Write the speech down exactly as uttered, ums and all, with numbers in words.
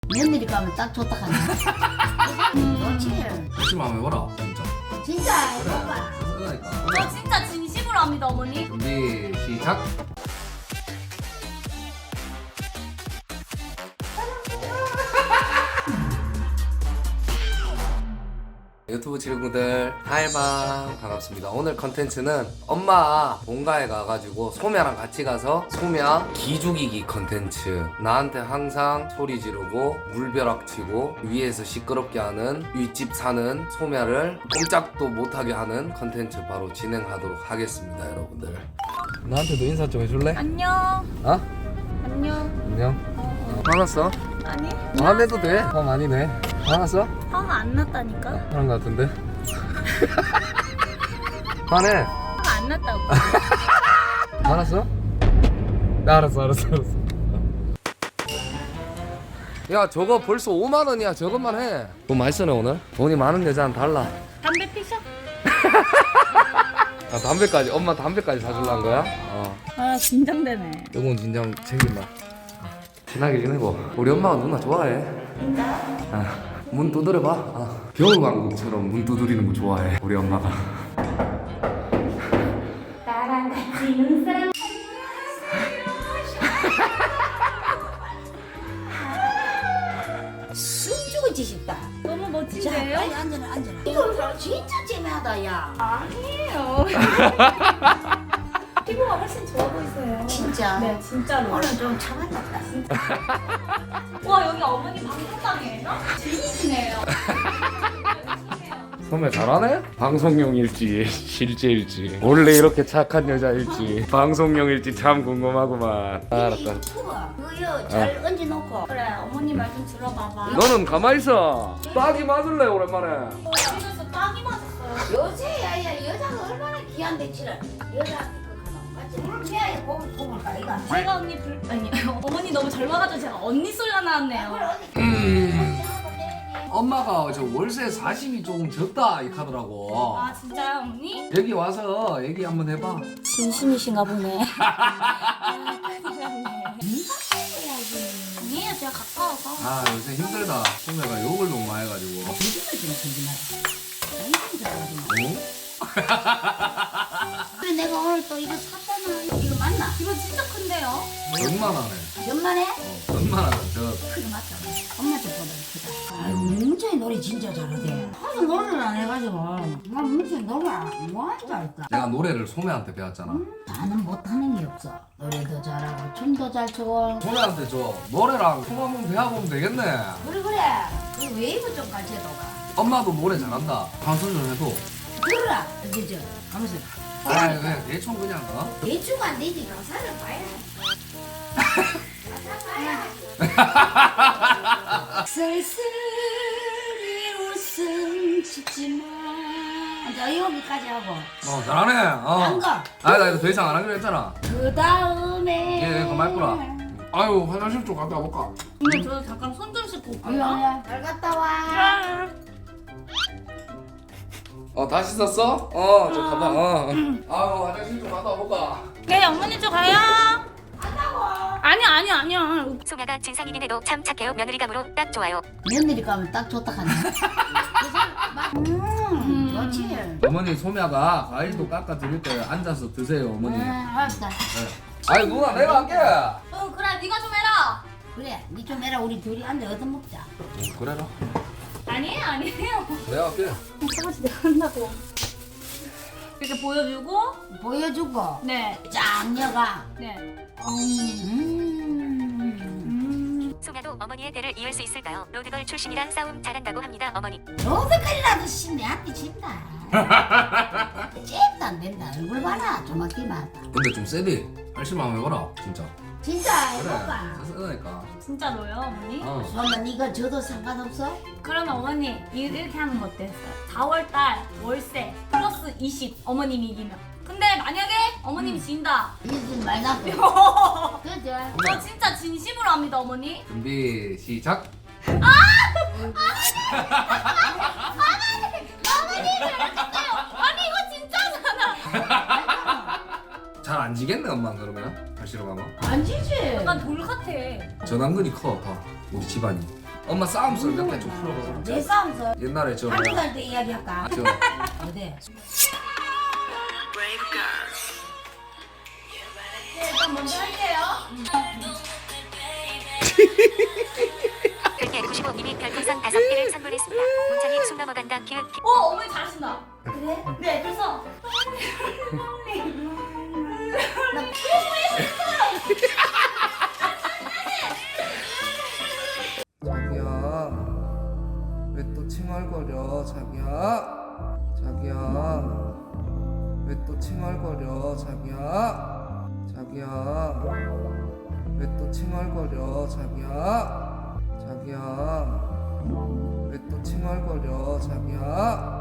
며느리 가면 딱 좋다 하네. 좋지. 열심히 한번 해봐라 진짜. 진짜 그래. 해봐. 그러니까. 저 진짜 진심으로 합니다, 어머니. 준비 시작. 유튜브 친구들 하이방 반갑습니다. 오늘 컨텐츠는 엄마 본가에 가가지고 소매랑 같이 가서 소매 기죽이기 컨텐츠. 나한테 항상 소리 지르고 물벼락 치고 위에서 시끄럽게 하는 윗집 사는 소매를 꼼짝도 못하게 하는 컨텐츠 바로 진행하도록 하겠습니다. 여러분들 나한테도 인사 좀 해줄래? 안녕. 어? 안녕. 안녕. 어, 화났어? 아니? 화내도 돼? 화 많이 내. 화났어? 화가 안 났다니까? 그런 거 같은데? 화내. 화가 안 났다고. 화났어? 네, 알았어 알았어 알았어. 야 저거 벌써 오만 원이야. 저것만 해. 돈 많이 쓰네 오늘. 돈이 많은 여자는 달라. 담배 피셔? 아 담배까지. 엄마 담배까지 사줄란 거야? 어. 아, 긴장되네. 요건 진정 챙긴다. 친하게 지내고. 우리 엄마가 누나 좋아해. 아, 문 두드려봐. 아, 겨울왕국처럼 문 두드리는 거 좋아해 우리 엄마가. 나랑 같이 눈사람. 숨죽을 짓다. 너무 자, 멋진데요? 빨리 앉아라, 앉아라. 이거 진짜 재미하다, 야. 아니에요. 피부가 훨씬 좋아 보이세요. 진짜. 네, 진짜로. 오늘 좀 참았다. 와, 여기 어머니 방송당이에요? 진이시네요. 소매 잘하네? 방송용일지 실제일지 원래 이렇게 착한 여자일지 방송용일지 참 궁금하구만. 알았다. 유튜브 그거 잘 얹어놓고. 그래, 어머니 말 좀 들어봐봐. 너는 가만히 있어. 딱이 맞을래 오랜만에. 집에서 딱이 맞았어요. 요새 야야 여자가 얼마나 귀한데 치를 여자 같이 물매야 고기 고물 가이가. 제가 언니 불 아니 어머니 너무 젊어가지고 제가 언니 소리가 나왔네요. 엄마가 저 월세 사십이 조금 적다 이 카더라고. 아 진짜요, 어머니? 여기 와서 얘기 한번 해봐. 진심이신가 보네. 아니에요, 제가 가까워서. 아 요새 힘들다. 소매가 욕을 너무 많이 해가지고. 요즘은 좀 진진하다. 어? 그래 내가 오늘 또 이거 샀잖아. 이거 맞나? 이거 진짜 큰데요? 얼마나네? 연만에? 어, 얼마나 저 크게 맞다. 엄마한테 보다 크다. 아유 문천이 노래 진짜 잘하대. 하도 노래를 안 해가지고 나 문천이 노래 뭐하는 줄 알까? 내가 노래를 소매한테 배웠잖아. 나는 못하는 게 없어. 노래도 잘하고 춤도 잘 추고. 소매한테 저 노래랑 춤 한번 배워보면 되겠네. 그래 그래. 그 웨이브 좀 가르쳐줘봐. 엄마도 노래 잘한다. 방송 좀 해도. 들어라. 그죠? 하면서 아 왜 대충 그냥 어? 대충 안 되지. 가사를 봐야 해. 쓸쓸히 웃음 짓지마. 자 여기까지 하고. 어 잘하네. 어. 한 거. 아 나 이거 더 이상 안 하기로 했잖아. 그 다음에. 예, 예, 그만 있구나. 아유 화장실 좀 갔다 와볼까? 근데 저 잠깐 손 좀 씻고 올게요. 아니야. 잘 갔다 와. 아, 어 다시 썼어? 어저 가방. 어. 아유 화장실 좀 갔다 와볼까? 네, 어머니 저 가요. 아니 아니 아니야. 소녀가 진상이긴 해도 참 착해요. 며느리감으로 딱 좋아요. 며느리 가면 딱 좋다 하네. 음, 좋지. 어머니 소매가 과일도 깎아 드릴 거예요. 앉아서 드세요 어머니. 네, 알았다. 아이 누나 내가 할게. 어 그래, 네가 좀 해라. 그래, 니 좀 해라. 우리 둘이 앉아 얻어먹자. 응, 그래라. 아니에요, 아니에요. 내가 할게. 사무실 내가 한다고. 이렇게 보여주고, 보여주고. 네, 짱녀가. 네. 음. 음, 소녀도 어머니의 대를 이을 수 있을까요? 로드걸 출신이라 싸움 잘한다고 합니다. 어머니. 로드까지라도 씨 내한테 진다. 잽도 안 된다. 얼굴 봐라. 조막기만. 근데 좀 세디. 열심히 한번 해봐라 진짜. 진짜 그래. 해볼까? 쓰니까. 진짜로요, 어머니? 어. 그러면 이거 줘도 상관없어? 그러면 어머니 이- 이렇게 하는 거 어땠어요? 사월달 월세 플러스 이십 어머님이 이기면. 근데 만약에 어머님이 진다. 이집 말 나고. 그죠? 저 진짜 진심으로 합니다, 어머니. 준비 시작. 아니 이거 진짜잖아. 잘 안 지겠네 엄마 그러면? 다시로 가면? 안 지지. 약간 돌 같아. 전완근이 커 봐. 우리 집안이. 엄마 싸움 썰 몇 개 좀 풀어봐. 내 싸움서 옛날에 저 한두 살 때 이야기할까? 저 어디? 일단 먼저 할게요. 별개 구십오 님이 별풍선 다섯 개를 선물했습니다. 문창이 숨 넘어간다. 기획 어, 어머니 잘하신다. 그래? 네, 그래서 자기야 왜 또 칭얼거려 자기야 자기야 왜 또 칭얼거려 자기야 자기야 왜 또 칭얼거려 자기야 자기야 왜 또 칭얼거려 자기야